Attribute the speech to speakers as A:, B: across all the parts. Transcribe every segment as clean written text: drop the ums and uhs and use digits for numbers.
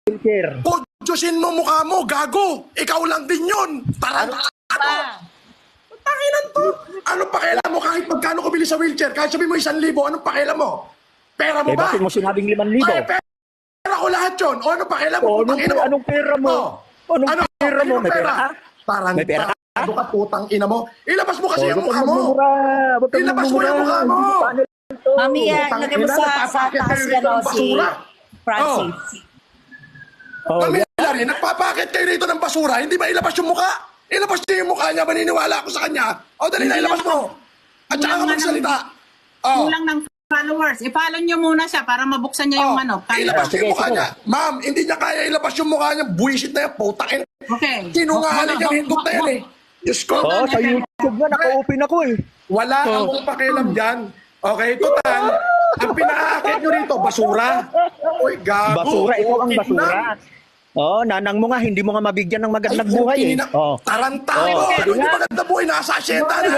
A: wheelchair.
B: Kudyosin mo mukha mo, gago. Ikaw lang din yun. Tarantado. Takinan to. Anong pakialam mo kahit magkano ko bili sa wheelchair? Kahit sabihin mo 1,000, anong pakialam mo? Pera mo
A: Eh,
B: ba?
A: bakit mo sinabing 5,000?
B: Ay, pera ko lahat yun. O anong pakialam mo?
A: O, anong pera mo? Anong pera mo? May pera ka?
B: Tarantado.
A: May pera ka?
B: Ano ka putang ina mo? Ilabas mo kasi yung mukha mo.
A: Ilabas
B: Ilabas mo yung mukha mo.
C: Mami,
B: Putang
C: lagay mo
B: ina,
C: sa
B: napapakit
C: taas
B: kayo
C: yan
B: rito
C: o
B: ng
C: si
B: basura.
C: Francis.
B: Oh. Mami, Larry, nagpapakit kayo rito ng basura. Hindi ba ilabas yung mukha? Ilabas niya yung mukha niya. Maniniwala ako sa kanya. O, dali na, ilabas mo. At saka ka magsalita. Oh.
D: Kulang ng followers. I-follow nyo muna siya para mabuksan niya yung ano.
B: Ilabas
A: Sige,
B: yung mukha
A: sige.
B: niya. Ma'am, hindi niya kaya ilabas yung mukha niya. Buwisit na yan. Putakin.
D: Okay.
B: Sinungaling yung hindot na yan eh. Diyos ko.
A: Oh, sa YouTube nga, naka-open ako eh.
B: Wala akong pakialam dyan. Okay, total. Ang pinaakit nyo rito, basura. Uy, gago.
A: Basura, ikaw ang basura. Oh, nanang mo nga, hindi mo nga mabigyan ng magandang buhay eh. Oh.
B: Tarantado.
A: Oh,
B: Ano
A: sige
B: yung
A: nga.
B: maganda buhay? Nasa asyenda na.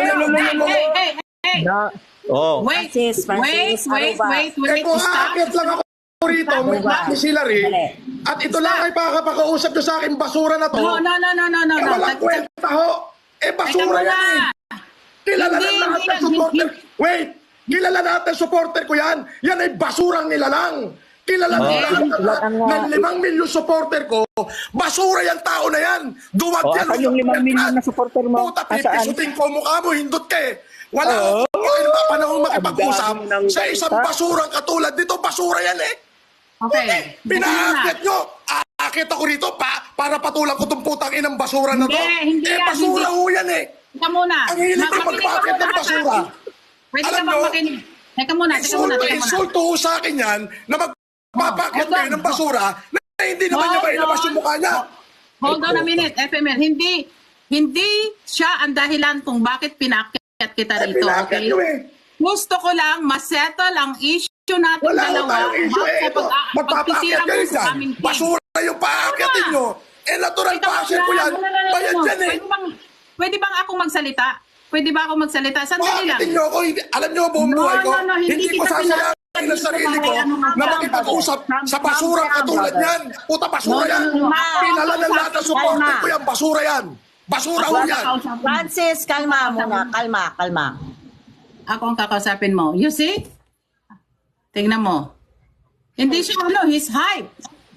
D: Hey.
A: Na, oh.
D: Wait,
C: Francis, Aruba.
B: Eh
D: wait.
B: kung
D: Stop.
B: aakit lang ako rito, ni Hillary, at ito lang ay pakapakausap nyo sa akin, basura na to.
D: No.
B: Eh, walang kwenta ho. Eh, basura yan eh. Kilala na
D: Hindi,
B: lahat ng
D: hindi,
B: supporter. Wait! Kilala natin ng supporter ko yan. Yan ay basurang nilalang. Kilala na lahat ng 5 milyon supporter ko. Basura yung tao na yan. Duwag
A: Oh,
B: yan.
A: asan yung 5 milyon na supporter mo?
B: Puta,
A: Asaan?
B: pipisutin ko mukha mo. Hindot ka eh. Wala akong panahon makipag-usap
A: Ang dami ng
B: sa isang
A: galit, ha?
B: basurang katulad dito. Basura yan eh.
D: Okay.
B: Pinaakit nyo. Aakit ako rito para patulang ko itong putang inang basura na to.
D: Hindi yan,
B: basura
D: hindi.
B: ho yan eh.
D: Teka muna.
B: Ang hilig ko
D: Makinig
B: magpakit
D: ka
B: ng
D: muna
B: basura.
D: sa akin. Pwede ka
B: Alam
D: bang
B: nyo,
D: makinig? Teka muna.
B: Insulto ho sa akin yan na magpapakit
D: Hold on.
B: kayo ng basura na hindi naman niya ba ilabas yung mukha niya.
D: Hold on a minute, FML. Hindi siya ang dahilan kung bakit pinaakyat kita
B: Ay,
D: rito.
B: pinakit
D: Okay?
B: nyo eh.
D: Gusto ko lang masettle ang issue natin
B: Wala ko
D: dalawa.
B: tayong issue eh. Ito, magpapakit kayo
D: sa
B: dyan.
D: aming team.
B: Basura yung paakitin nyo. Eh, natural paakit ko yan. Bayad yan eh.
D: Pwede bang ako magsalita? Pwede ba ako magsalita? Sandali lang.
B: Paakitin nyo ako. Alam nyo buong
D: No,
B: buhay ko.
D: no,
B: Hindi ko
D: kita
B: sasayangin ang sarili ko na makipag-usap sa basurang katulad yan. Puta, basura yan. Kilala ng lahat ng supporter ko yan. Basura yan. Basura ho yan.
C: Francis, kalma muna. Kalma.
D: Ako ang kakausapin mo. You see? Tingnan mo. Hindi siya he's hype.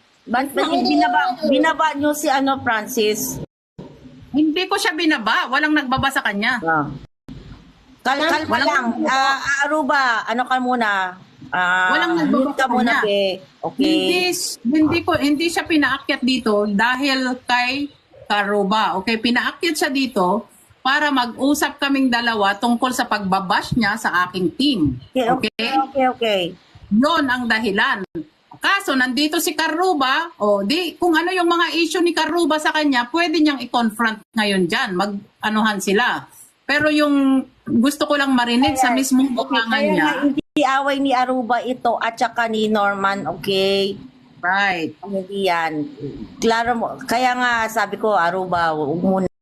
C: Binaba nyo si Francis.
D: Hindi ko siya binaba. Walang nagbaba sa kanya.
C: Kalma lang. Aruba, ano ka muna?
D: Walang nagbaba
C: Mute ka
D: sa
C: muna,
D: kanya.
C: be. Okay.
D: Hindi siya pinaakyat dito dahil kay Karuba. Okay, pinaakyat siya dito para mag-usap kaming dalawa tungkol sa pagbabash niya sa aking team.
C: Okay.
D: Yon ang dahilan. Kaso nandito si Karuba, kung ano yung mga issue ni Karuba sa kanya, pwede niyang i-confront ngayon dyan. Mag-anuhan sila. Pero yung gusto ko lang marinig sa mismong bukangan
C: Kaya
D: niya.
C: nga, hindi away ni Aruba ito at saka ni Norman, okay?
D: Right.
C: Hindi yan. Klaro mo. Kaya nga sabi ko, Aruba, huwag muna